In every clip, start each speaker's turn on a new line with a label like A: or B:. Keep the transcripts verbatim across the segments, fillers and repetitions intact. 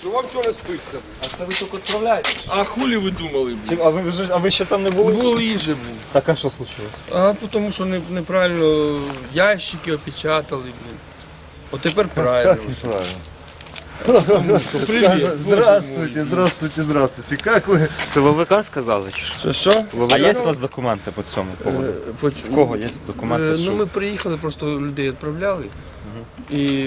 A: Ну вам чого не спиться?
B: А це ви тільки відправляєте?
A: А хулі ви думали, блін?
B: А ви вже, а ви ще там не були?
A: Були же, блін.
B: Так, а що случилось?
A: А тому що не, неправильно ящики опечатали, блін. От тепер правильно.
C: Правильно.
A: Привіт.
C: Здравствуйте, здравствуйте, здравствуйте. Как вы?
B: Це ВВК сказали чи що?
A: Що, що?
B: А є у вас документи по цьому поводу?
A: Е, поч-
B: У кого є документи?
A: Е,
B: що?
A: Ну ми приїхали, просто людей відправляли. І...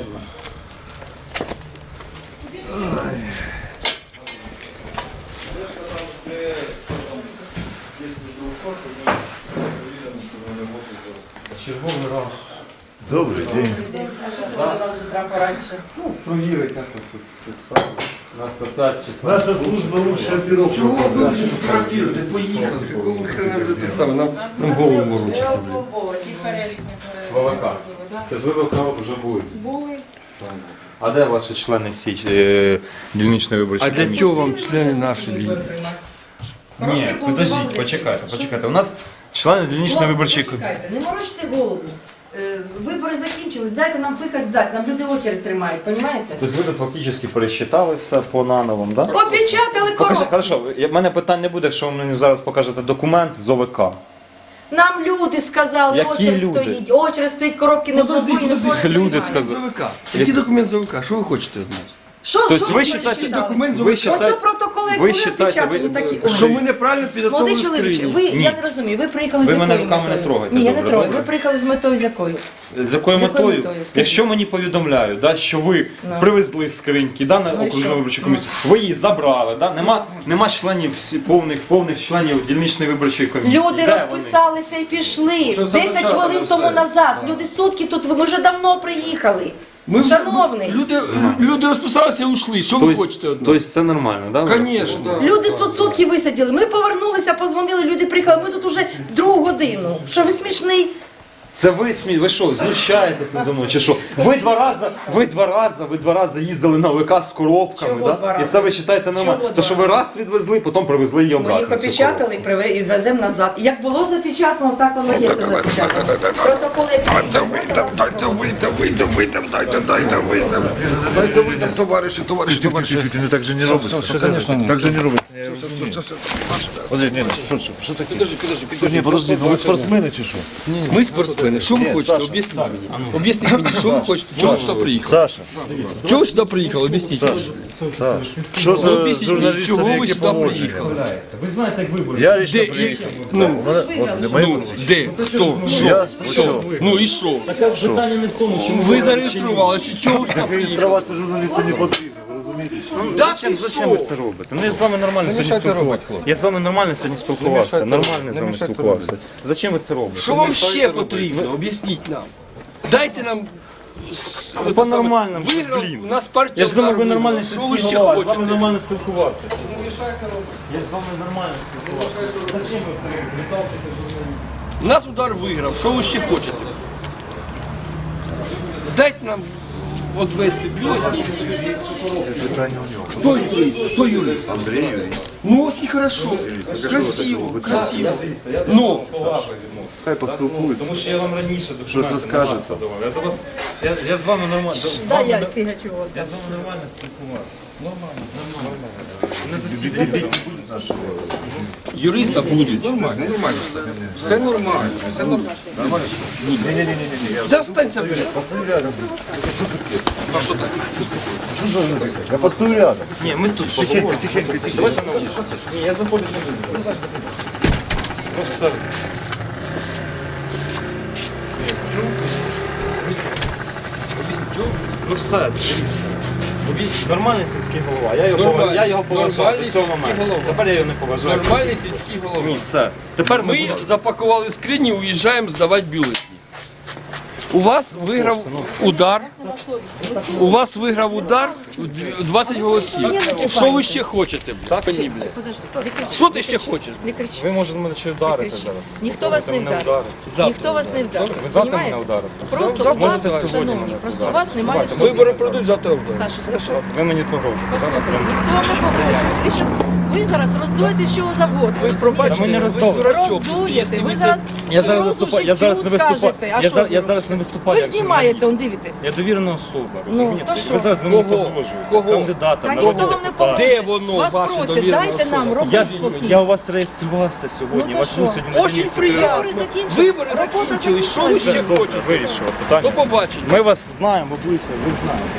B: Черговий раз.
C: Добрый день.
D: А що це ви до нас з утра пораньше?
B: Ну, провірить, як ви тут все справи. Нас опять числа.
C: Наша служба лучше оперов.
A: Чого ви фотографіруєте? Поїхали. Якого хрена вже те саме? Нам, нам голову морочите, блін.
B: ВВК. Тобто ви ВВК вже були? Були. А де ваші члени всі е, дільничної виборчої
A: А для
B: комісії?
A: чого вам члени наші лінії?
B: Ні, подождіть, почекайте, почекайте. У нас члени дільничної виборчої комісії.
D: Почекайте, не морочте голову. Е, Вибори закінчились, дайте нам вихід здати, нам люди очередь тримають, розумієте?
B: Тобто ви тут фактично пересчитали все по нановому, так? Да?
D: Опечатали
B: Покажи,
D: коробку.
B: хорошо, в мене питань не буде, якщо ви мені зараз покажете документ з ОВК.
D: Нам люди сказали,
B: Які
D: очередь
B: люди?
D: стоїть, очередь стоїть, коробки не блокують, не блокують.
B: Люди сказали.
A: ЗВК. Який документ ЗВК? Що ви хочете від нас?
D: Що,
B: Тобто
D: що
B: ви
D: ви
B: вважаєте,
D: читали?
A: документ
B: Ви
D: Ось
B: считаєте,
D: у протоколи,
B: ви
D: коли
B: считаєте,
D: опечатані
B: ви-
D: такі.
B: ви-
D: Ой.
A: Що ми неправильно підготовили
D: Молодий чоловіче, ви,
B: Ні.
D: я не розумію, ви приїхали
B: Ви
D: з
B: мене
D: якою
B: руками не
D: метою?
B: трогайте,
D: Ні, я не
B: добре,
D: трогаю,
B: добре?
D: ви приїхали з метою з якою?
B: з якою
D: З якою
B: метою?
D: метою? Скажіть.
B: Якщо мені повідомляють, да, що ви
D: Ну.
B: привезли скриньки да, на
D: Ну і
B: окружну
D: що?
B: виборчу комісію, ви її забрали, да? нема, нема членів, всі- повних, повних членів дільничної виборчої комісії.
D: Люди
B: Де
D: розписалися і пішли.
A: Що
D: Десять
A: запечатали
D: хвилин
A: все?
D: тому назад. Люди сутки тут, ми вже давно приїхали.
A: Ми,
D: Шановний.
A: Люди, люди розписалися і ушли. Що ви
B: Тобто,
A: хочете від нас?
B: тобто це нормально, так? Да?
A: Звісно.
D: Люди тут сутки висиділи. Ми повернулися, позвонили, люди приїхали. Ми тут уже другу годину. Що ви смішний?
B: Це ви смі... ви що, знущаєтесь надо мною, чи що? Ви два рази, ви два рази, ви два рази їздили на ОВК з коробками,
D: Чого
B: да?
D: два
B: І
D: рази?
B: це ви вважаєте нормально.
D: Чого
B: То що
D: два
B: ви раз відвезли, потім привезли її
D: Ми
B: обратно.
D: їх
B: цю
D: опечатали і приве- і веземо назад. Як було запечатано, так воно є все запечатано. Протоколи.
A: Дайте вийдемо, дайте вийдемо, вийдемо, вийдемо, дайте, дайте вийдемо. Дайте вийдемо, товариші, товариші, товариші.
C: Ну так же не робится. Так же не робится. Подожди, нет, что, что, что такое?
A: Підожди, підожди, підожди.
C: Не, подожди, ну вы спортсмены чи що?
A: Ми спортсмени. Що ви хочете? Об'ясніть мені. Об'ясніть мені, що ви хочете? Чого ви сюди приїхали?
C: Саша,
A: Чого ви сюди приїхали? Об'ясніть.
C: що за
A: Об'ясніть мені,
C: журналісти,
A: чого ви
C: які
A: сюди
C: положення?
A: приїхали?
B: Ви знаєте, як вибори.
C: Я лично
A: Де-
C: приїхав.
A: Ну,
C: От для моєї
A: ну, де? Хто? Що?
C: Я
A: Що? Ну і що?
B: Питання не в тому, чому
A: Ви зареєстрували, чи чого ви сюди приїхали?
C: реєструвати журналіста не потрібно, ви розумієте?
A: Да
B: Зачем,
A: ти
B: зачем ви
A: що?
B: це робите? Ну я з вами нормально сьогодні спілкувався. Я з вами нормально сьогодні спілкувався. Нормально з вами спілкувався. Зачем ви це робите?
A: Що вам ще потрібно? Об'ясніть нам. Дайте нам.
B: Ну, по-нормальному,
A: Виграв
B: блін.
A: у нас партія.
B: Я ж думаю, ви
A: виграла.
B: нормальний
A: Що ви
B: сільський
A: ще
B: голова, я з
A: хочете?
B: вами нормально спілкувався. Я ж з вами нормально спілкувався. Зачем ви це робите? Виталкуєте журналістів.
A: Нас удар виграв. Що ви ще хочете? Дайте нам відвести бюлетні.
C: Питання у нього.
A: Хто юрист? Хто юрист?
C: Андрій Юрій.
A: Ну очень хорошо. Красиво, красиво. Но
C: Хай поспілкуються.
B: Тому що я вам раніше
C: Щось
B: документи
C: розкажете.
B: на вас подавав. Я, до вас, я, я з вами нормально. з
D: Да,
B: вами
D: я
B: до-
D: Сігачова.
B: Я з вами нормально спілкувався. Нормально, нормально. Не засідайте.
A: юриста будуть. Нормально, нормально все. Все нормально, все нормально. Да останься, блядь. А що так?
C: Я постою рядом.
B: Ні, ми тут поговоримо.
C: Тихенько, тихенько.
B: Давайте на вулицю. Ні, я заходити не буду. Ну все. Ні, чому? Ну все, дивіться. Об'ясніть, нормальний сільський голова. Я його,
A: Нормальний.
B: поважаю, я його поважав
A: Нормальний
B: до цього
A: сільський
B: моменту.
A: голова.
B: Тепер я його не поважаю.
A: Нормальний сільський голова.
B: Ні, все. Тепер ми,
A: Ми
B: будемо...
A: запакували скрині, уїжджаємо здавати бюлетні. У вас виграв удар. У вас виграв удар двадцять голосів. Що ви ще хочете? Так, пані, блядь?
D: Подожди, не кричи.
A: Що ти ще хочеш?
D: Не кричи.
B: Ви можете мене ще вдарити зараз.
D: Ніхто вас не
B: Мене
D: вдарив.
B: вдарити.
D: Ніхто вас не вдарив.
B: Ви завтра мене
D: Понімаєте?
B: вдарите.
D: Просто у
B: Можете
D: вас,
B: сьогодні
D: шановні,
B: мене
D: просто у
B: вдарити.
D: вас немає
A: Вибори
D: совісті.
A: пройдуть завтра. вдаримо.
D: Саша, спокійно.
B: Ви мені погрожуєте.
D: Послухайте, ніхто вам не погрожує. Ви щас, Ви зараз роздуєте що завгодно.
A: Ви
D: розумієте?
A: пробачте,
B: Та ми не
A: ви
B: роздовуємо.
A: дурачок.
D: Роздуєте. Ви
A: Якщо
D: зараз
B: Я зараз
D: розум
B: виступаю, я
D: життю
B: зараз не виступаю.
D: скажете. А
B: Я,
D: що
B: за-
D: ви
B: я зараз не
D: робите?
B: виступаю.
D: Ви ж
B: як
D: знімаєте, он
B: журналіст.
D: дивитесь.
B: Я довірена особа, розумієте?
D: то що?
B: Ви зараз ви мені
A: Кого?
B: погрожуєте.
A: Кого?
B: Кандидата,
D: Та
B: народного
D: ніхто вам не
B: депутата.
D: погрожує.
A: Де воно,
D: Вас
A: ваше
D: просять,
A: довірена
D: дайте нам,
A: особа?
D: робіть
B: Я,
D: спокійно.
B: я у вас реєструвався сьогодні.
D: Ну, то
B: вас
D: що?
B: мусять на
A: Очень
B: дільниці
A: приємно.
D: Вибори закінчились.
A: Вибори
D: Робота
A: закінчились. Що ви
D: закінчилась.
A: ще
B: Все, добре,
A: хочете?
B: вирішили питання.
A: До побачення.
B: Ми вас знаємо, обличчя, ви знаєте.